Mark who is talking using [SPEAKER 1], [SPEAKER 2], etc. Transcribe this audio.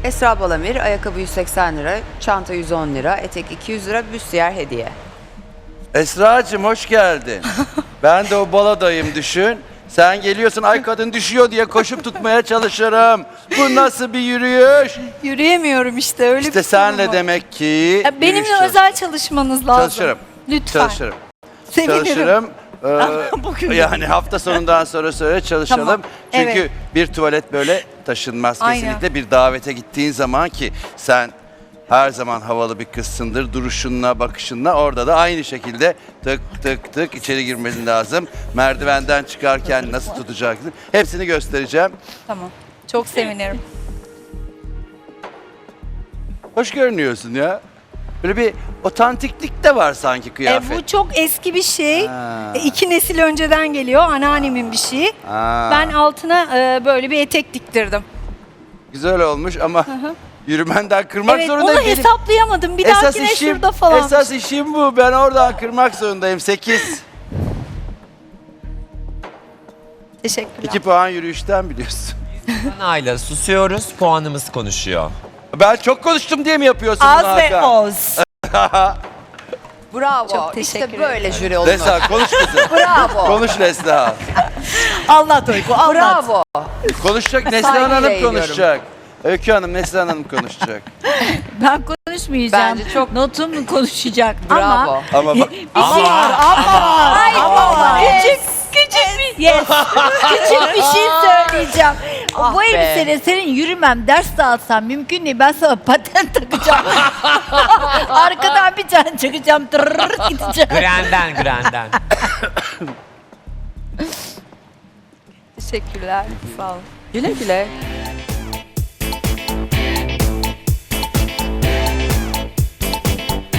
[SPEAKER 1] Esra Balamir, ayakkabı 180 lira, çanta 110 lira, etek 200 lira, büstiyer hediye.
[SPEAKER 2] Esra'cığım hoş geldin. Ben de o baladayım düşün. Sen geliyorsun ay kadın düşüyor diye koşup tutmaya çalışırım. Bu nasıl bir yürüyüş?
[SPEAKER 3] Yürüyemiyorum işte öyle
[SPEAKER 2] İşte
[SPEAKER 3] bir
[SPEAKER 2] senle
[SPEAKER 3] sorun var.
[SPEAKER 2] demek ki
[SPEAKER 3] Ya benimle
[SPEAKER 2] yürüyüş
[SPEAKER 3] özel çalışmanız lazım.
[SPEAKER 2] çalışırım.
[SPEAKER 3] Lütfen.
[SPEAKER 2] Çalışırım.
[SPEAKER 3] Sevinirim.
[SPEAKER 2] Çalışırım.
[SPEAKER 3] Bugün.
[SPEAKER 2] Yani hafta sonundan sonra çalışalım.
[SPEAKER 3] Tamam,
[SPEAKER 2] Çünkü
[SPEAKER 3] evet.
[SPEAKER 2] bir tuvalet böyle taşınmaz
[SPEAKER 3] Aynen.
[SPEAKER 2] kesinlikle. Bir davete gittiğin zaman ki sen her zaman havalı bir kızsındır. Duruşunla, bakışınla orada da aynı şekilde tık tık tık içeri girmesi lazım. Merdivenden çıkarken nasıl tutacaksın? Hepsini göstereceğim.
[SPEAKER 3] Tamam. Çok sevinirim.
[SPEAKER 2] Hoş görünüyorsun ya. Böyle bir otantiklik de var sanki kıyafet.
[SPEAKER 3] Bu çok eski bir şey.
[SPEAKER 2] Ha.
[SPEAKER 3] 2 nesil önceden geliyor. Anneannemin bir şeyi.
[SPEAKER 2] Ha.
[SPEAKER 3] Ben altına böyle bir etek diktirdim.
[SPEAKER 2] Güzel olmuş ama yürümenden kırmak
[SPEAKER 3] Evet,
[SPEAKER 2] zorundayım.
[SPEAKER 3] onu hesaplayamadım. Bir
[SPEAKER 2] Esas
[SPEAKER 3] dahakine
[SPEAKER 2] işim,
[SPEAKER 3] şurada falan.
[SPEAKER 2] esas işim bu. Ben oradan kırmak zorundayım. 8.
[SPEAKER 3] Teşekkürler.
[SPEAKER 2] 2 puan yürüyüşten biliyorsun.
[SPEAKER 4] Ayla susuyoruz, puanımız konuşuyor.
[SPEAKER 2] Ben çok konuştum diye mi yapıyorsun bunu
[SPEAKER 5] Az ve
[SPEAKER 2] Hakan?
[SPEAKER 5] oz.
[SPEAKER 1] Bravo.
[SPEAKER 3] Çok teşekkür
[SPEAKER 1] işte böyle
[SPEAKER 3] ederim.
[SPEAKER 1] jüri olunur.
[SPEAKER 2] Neslihan konuş kızım.
[SPEAKER 1] Bravo.
[SPEAKER 2] Konuş Neslihan.
[SPEAKER 5] Anlat Uyku, anlat.
[SPEAKER 1] Bravo.
[SPEAKER 2] Konuşacak Neslihan
[SPEAKER 1] Saygıyla
[SPEAKER 2] Hanım
[SPEAKER 1] eğiliyorum.
[SPEAKER 2] konuşacak. Öykü Hanım, Neslihan Hanım konuşacak.
[SPEAKER 5] Ben konuşmayacağım.
[SPEAKER 1] Bence çok-
[SPEAKER 5] Notum konuşacak.
[SPEAKER 1] Bravo.
[SPEAKER 5] Ama
[SPEAKER 2] Ama bak,
[SPEAKER 5] bir şey var. Ama var. Küçük bir yes. Küçük bir şey söyleyeceğim.
[SPEAKER 1] Ah
[SPEAKER 5] Bu
[SPEAKER 1] be.
[SPEAKER 5] elbiseyle senin yürümem, ders dağıtsam mümkün değil. Ben sana patent takacağım. Arkadan bir tane çıkacağım. Tırrrr gideceğim.
[SPEAKER 4] Grenden.
[SPEAKER 3] Teşekkürler. Sağ olun.
[SPEAKER 1] Güle güle.